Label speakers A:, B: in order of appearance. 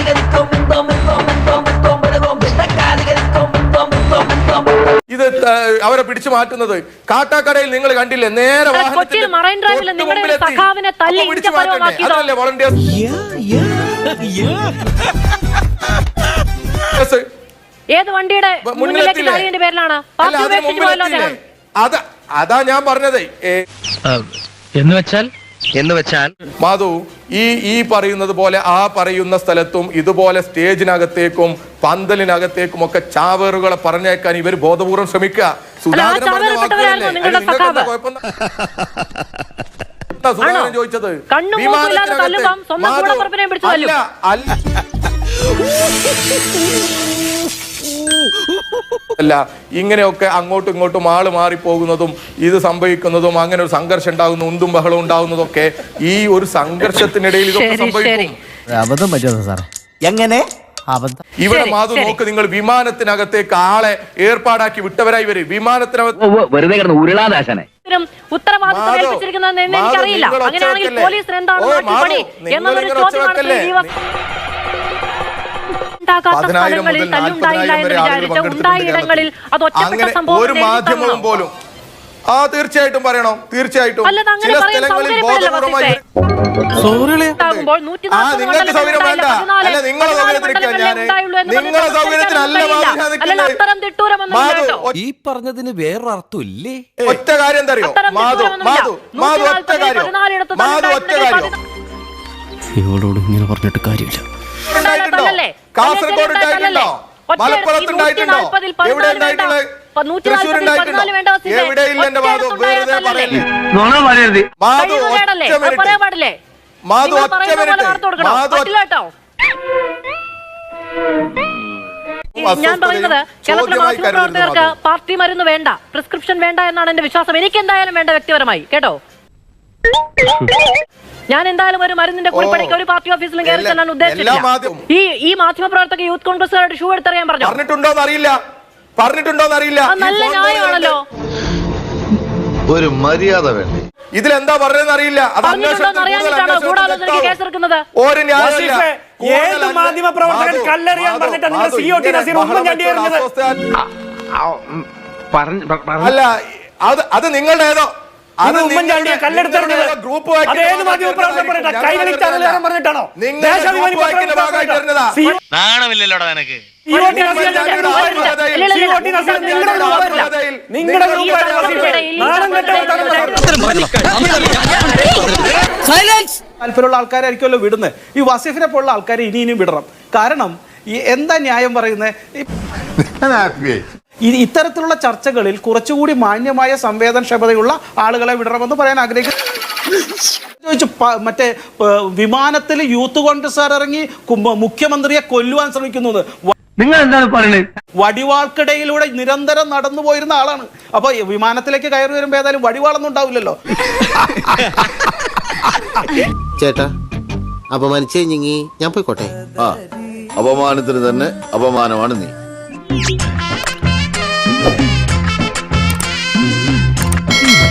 A: ഇത് അവരെ പിടിച്ചു മാറ്റുന്നത് കാട്ടാക്കടയിൽ നിങ്ങൾ കണ്ടില്ലേ? നേരെ അതല്ലേ വോളണ്ടിയേഴ്സ്.
B: ഏത് വണ്ടിയുടെ പേരിലാണ്?
A: അതാ ഞാൻ പറഞ്ഞത്.
C: എന്ന് വെച്ചാൽ
A: മാധു, ഈ പറയുന്നത് പോലെ ആ പറയുന്ന സ്ഥലത്തും ഇതുപോലെ സ്റ്റേജിനകത്തേക്കും പന്തലിനകത്തേക്കും ഒക്കെ ചാവേറുകളെ പറഞ്ഞേക്കാൻ ഇവർ ബോധപൂർവ്വം ശ്രമിക്കുക. സുധാകരൻ ചോദിച്ചത് അല്ല, ഇങ്ങനെയൊക്കെ അങ്ങോട്ടും ഇങ്ങോട്ടും ആള് മാറിപ്പോകുന്നതും ഇത് സംഭവിക്കുന്നതും അങ്ങനെ ഒരു സംഘർഷം ഉണ്ടാകുന്നു, ഉന്തും ബഹളം ഉണ്ടാകുന്നതൊക്കെ ഈ ഒരു സംഘർഷത്തിനിടയിൽ ഇതൊക്കെ സംഭവിക്കും.
D: അബദ്ധം പറ്റുമോ സാറേ? എങ്ങനെ
A: ഇവിടെ മാധു നോക്ക്, നിങ്ങൾ വിമാനത്തിനകത്തേക്ക് ആളെ ഏർപ്പാടാക്കി വിട്ടവരായി വരും. വിമാനത്തിനകത്ത്
C: വെറുതെ കിടന്ന് ഉരുളാദാശനെ
B: എനിക്കറിയില്ല. അങ്ങനെയാണെങ്കിൽ പോലീസിന് എന്താണ് പണി എന്നൊരു ചോദ്യമാണ്.
A: ഒരു മാധ്യമവും പോലും തീർച്ചയായിട്ടും പറയണം. തീർച്ചയായിട്ടും ചില സ്ഥലങ്ങളിൽ ബോധപൂർവമായി നിങ്ങൾക്ക് സൗകര്യം വേണ്ട. അല്ല, നിങ്ങളെ സൗകര്യത്തിനല്ല, നിങ്ങളെ സൗകര്യത്തിനല്ല
D: ഈ പറഞ്ഞതിന് വേറൊരർത്ഥം ഇല്ലേ?
A: ഒറ്റ കാര്യം എന്താ അറിയോ മാധു, ഒറ്റ കാര്യം,
D: ഇവളോട് ഇങ്ങനെ പറഞ്ഞിട്ട് കാര്യമില്ല.
A: കാസർഗോഡ് ഉണ്ടായിട്ടുണ്ടോ? മലപ്പുറത്ത് ഉണ്ടായിട്ടുണ്ടോ? എവിടെ ഉണ്ടായിട്ടുള്ളത്? തൃശ്ശൂർ ഉണ്ടായിട്ടുണ്ടോ? എവിടെയില്ല എന്റെ മാധു, വെറുതെ പറയല്ലേ. മാധു ഒറ്റ മിനിറ്റ്, മാധു ഒറ്റ മിനിറ്റ്,
B: ഞാൻ പറയുന്നത് കേരളത്തിലെ മാധ്യമപ്രവർത്തകർക്ക് പാർട്ടി മരുന്ന് വേണ്ട, പ്രിസ്ക്രിപ്ഷൻ വേണ്ട എന്നാണ് എന്റെ വിശ്വാസം. എനിക്ക് എന്തായാലും വേണ്ട വ്യക്തിപരമായി, കേട്ടോ. ഞാൻ എന്തായാലും ഒരു മരുന്നിന്റെ കുറിപ്പടിക്ക് ഒരു പാർട്ടി ഓഫീസിലും കയറി ചെല്ലാൻ ഉദ്ദേശിച്ചില്ല. ഈ മാധ്യമപ്രവർത്തക യൂത്ത് കോൺഗ്രസുകാരുടെ ഷൂ എടുത്തറിയാൻ പറഞ്ഞു.
A: പറഞ്ഞിട്ടുണ്ടോന്നറിയില്ല.
B: നല്ല ന്യായമാണല്ലോ.
E: ഒരു മര്യാദ വേണ്ടേ?
A: ഇതിലെന്താ പറഞ്ഞതെന്ന് അറിയില്ല.
F: ഏത് മാധ്യമ പ്രവർത്തകൻ കല്ലെറിയാൻ പറഞ്ഞിട്ട് നിങ്ങൾ COT നസീർ ഉമ്മൻചാണ്ടി എറിഞ്ഞത്?
A: അല്ല, അത് നിങ്ങളുടെ ഏതോ
F: ഉമ്മൻചാണ്ടിയെ കല്ലെടുത്തെറിഞ്ഞത് അതേത് മാധ്യമ പ്രവർത്തകൻ പറഞ്ഞിട്ടാ? കൈരളി ചാനലുകാരൻ പറഞ്ഞിട്ടാണോ?
C: നാണമില്ലല്ലോടാ നിനക്ക്.
F: താല്പര്യമുള്ള ആൾക്കാരായിരിക്കുമല്ലോ വിടുന്നത്. ഈ വസീഫിനെ പോലുള്ള ആൾക്കാരെ ഇനിയും വിടണം. കാരണം എന്താ ന്യായം പറയുന്നത്? ഇത്തരത്തിലുള്ള ചർച്ചകളിൽ കുറച്ചുകൂടി മാന്യമായ സംവേദനക്ഷമതയുള്ള ആളുകളെ വിടണമെന്ന് പറയാൻ ആഗ്രഹിക്കുന്നു. ചോദിച്ചു, മറ്റേ വിമാനത്തിൽ യൂത്ത് കോൺഗ്രസ്സുകാർ ഇറങ്ങി മുഖ്യമന്ത്രിയെ കൊല്ലുവാൻ ശ്രമിക്കുന്നത്.
C: നിങ്ങൾ എന്താണ് പറയുന്നത്?
F: വടിവാൾക്കിടയിലൂടെ നിരന്തരം നടന്നു പോയിരുന്ന ആളാണ്. അപ്പൊ വിമാനത്തിലേക്ക് കയറി വരുമ്പോ ഏതായാലും വടിവാളൊന്നും ഉണ്ടാവില്ലല്ലോ.
G: ചേട്ടാ, അപമാനിച്ചേ ഞാൻ പോയിക്കോട്ടെ.
E: അപമാനത്തിന് തന്നെ അപമാനമാണ് നീ.